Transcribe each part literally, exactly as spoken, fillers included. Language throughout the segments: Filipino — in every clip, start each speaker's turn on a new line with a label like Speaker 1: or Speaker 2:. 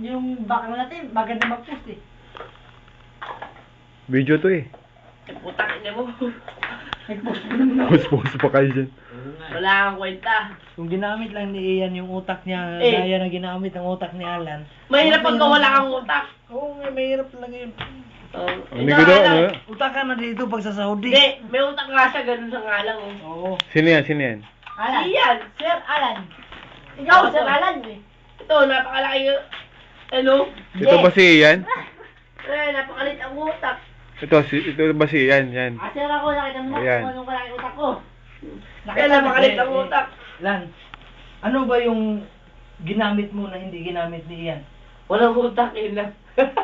Speaker 1: yung bakang natin, maganda mag-post eh.
Speaker 2: Video to eh.
Speaker 3: Putang ina mo.
Speaker 1: Nag-post mo naman ako.
Speaker 2: Post-post pa kayo dyan.
Speaker 3: Wala kang kwenta.
Speaker 4: Kung ginamit lang ni Ian yung utak niya,
Speaker 3: Eh.
Speaker 4: gaya na ginamit ang utak ni Alan.
Speaker 3: Mahirap pagka wala kang utak.
Speaker 4: Oo nga, mahirap lang yun.
Speaker 3: Oh,
Speaker 2: Ano ko daw, ano?
Speaker 4: Utak ka na dito pag sa Saudi.
Speaker 3: Hindi, may utak nga siya, ganun sa nga lang. Oh.
Speaker 4: Oo.
Speaker 2: Sino yan, sino yan?
Speaker 1: Alan.
Speaker 3: Iyan.
Speaker 1: Sir Alan. Ikaw,
Speaker 3: Ako,
Speaker 1: Sir
Speaker 3: sir.
Speaker 1: Alan eh.
Speaker 3: Ito, napakalaki yung... Ano?
Speaker 2: Ito ba si Ian?
Speaker 3: Eh, napakalit ang utak.
Speaker 2: Ito, si, ito ba si Ian? Yan.
Speaker 1: Ah, sir ako, nakita mo na
Speaker 2: Ayan.
Speaker 1: kung anong kalaki utak ko.
Speaker 3: Kaya napakalit ang
Speaker 4: Eh,
Speaker 3: utak.
Speaker 4: Lan, ano ba yung ginamit mo na hindi ginamit ni Ian?
Speaker 3: Walang utak, yun lang.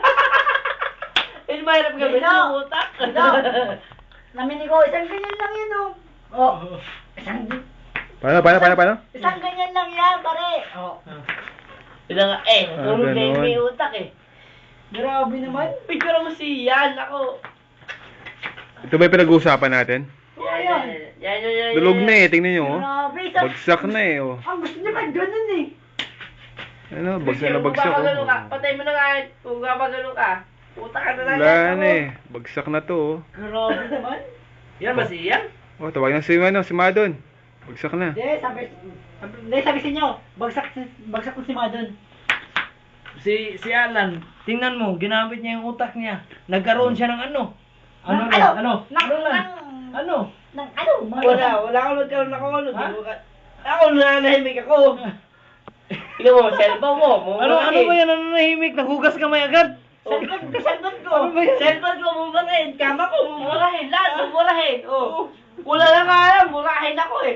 Speaker 3: Eh, mahirap gamitin
Speaker 1: Dito.
Speaker 3: yung utak.
Speaker 1: Dito. Namin ko, isang ganyan lang yan oh. Oh, isang,
Speaker 2: Paano, paano, paano, paano?
Speaker 1: isang ganyan lang yan, pare. Oh.
Speaker 3: Yun nga, eh,
Speaker 2: Ah,
Speaker 3: natulog na yung
Speaker 2: ganun.
Speaker 3: may utak eh.
Speaker 1: Grabe naman.
Speaker 3: Picture mo si Yan, ako.
Speaker 2: Ito ba yung pinag-uusapan natin?
Speaker 3: Yan, yan, yan, yan, yan, yan.
Speaker 2: Dulog na eh, tingnan nyo oh.
Speaker 1: Grabe, isang...
Speaker 2: Bagsak na eh oh.
Speaker 1: Ang gusto niya man ganun eh.
Speaker 2: Ano, bagsak na
Speaker 3: Kung
Speaker 2: bagsak
Speaker 3: papagano ka,
Speaker 2: oh.
Speaker 3: patay mo na nga, kung papagano ka, utak ka na lang.
Speaker 2: Wala
Speaker 3: yan,
Speaker 2: na
Speaker 3: ako.
Speaker 2: eh, bagsak na to oh.
Speaker 1: Grabe naman.
Speaker 3: Yan ba si Yan?
Speaker 2: Oh, tawag na si, ano, si Madon. Bagsak na.
Speaker 1: Hindi, sabi, sabi, hindi, sabi sa inyo, bagsak, si- bagsak ko si Madon.
Speaker 4: Si si Alan, tingnan mo, ginamit niya yung utak niya. Nagkaroon siya ng ano? Ano
Speaker 1: Ng
Speaker 4: lang?
Speaker 1: ano?
Speaker 4: Ano?
Speaker 1: Ng,
Speaker 4: Ano lang?
Speaker 1: ng,
Speaker 4: Ano?
Speaker 1: ng ano? Mga
Speaker 3: Wala, wala akong nagkaroon ako. Ano,
Speaker 4: Ha?
Speaker 3: di mo ka- Ako, nananahimik ako. Tingnan mo, cellphone mo.
Speaker 4: Ano ano ba yan? Ano nahimik? Naghugas kamay agad?
Speaker 1: Cellphone ko, cellphone ko.
Speaker 4: Ano ba yan?
Speaker 3: Cellphone ko, mumurahin. Kama ko, mumurahin. Lahat, mumurahin. Oh. Wala na nga alam, murahin ako eh.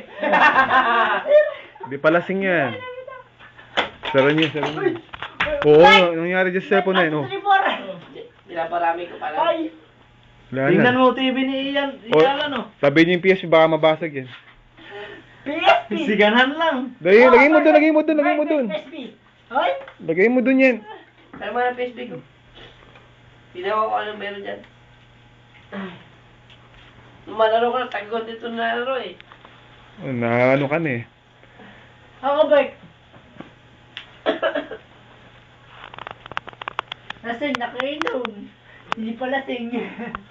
Speaker 2: Di palasing yan. Saro niyo, saro niyo. Oo, nangyari dyan sa cellphone na yun oh.
Speaker 3: Pinaparami ko pala.
Speaker 1: Ay,
Speaker 2: Wala
Speaker 4: Tingnan
Speaker 2: na.
Speaker 4: mo T V ni Ian,
Speaker 2: Oh,
Speaker 4: Ian ano?
Speaker 2: sabi niyo yung P S baka mabasag yan.
Speaker 1: P S P.
Speaker 4: Siganan lang.
Speaker 2: Lagay, lagay mo dun, lagay mo dun, lagay mo dun.
Speaker 1: P S P. Hoy,
Speaker 2: Lagay mo dun yan.
Speaker 3: Pero mga Facebook ko. Tinawa ko anong meron dyan. Nung malaro ko na, tagot dito na laro eh.
Speaker 2: Oh, na ano ka na eh.
Speaker 1: ako Bek. Lasing na kayo nun. Hindi pa lasing.